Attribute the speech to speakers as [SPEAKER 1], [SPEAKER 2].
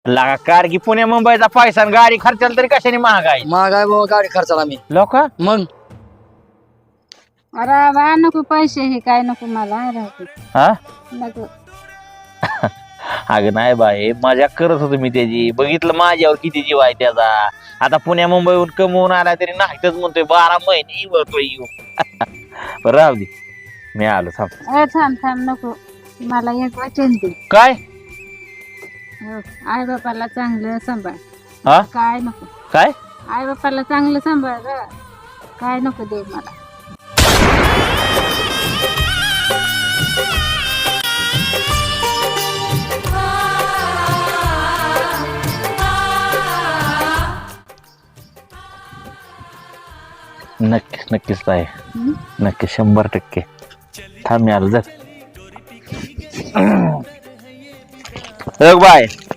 [SPEAKER 1] लागा कार की पुणे मुंबईचा पैसा आणि गाडी खर्चाला तरी कशाने महागाई
[SPEAKER 2] महागाय बाबा गाडी खर्चाला मी
[SPEAKER 1] लोक
[SPEAKER 2] मग
[SPEAKER 3] अरे बा नको पैसे हे काय नको मला राहते
[SPEAKER 1] हा
[SPEAKER 3] नको.
[SPEAKER 1] अगं नाही बाई मजा करत होतो मी त्याची बघितलं माझ्यावर किती जीव आहे त्याचा आता पुण्या मुंबईहून कमवून आला तरी नाहीतच म्हणतोय 12 महिने येऊ येऊ बरं राहू दे मी आलो थांब
[SPEAKER 3] थांब थांब नको मला एक वचन दे.
[SPEAKER 1] काय
[SPEAKER 3] आई बापाला चांगलं सांभाळ.
[SPEAKER 1] हा
[SPEAKER 3] काय नको
[SPEAKER 1] काय
[SPEAKER 3] आई बापाला चांगलं सांभाळ ग. काय नको दे मला.
[SPEAKER 1] नक्कीच नक्कीच आहे
[SPEAKER 3] हं?
[SPEAKER 1] नक्की 100% थांब मी आलो जर बाय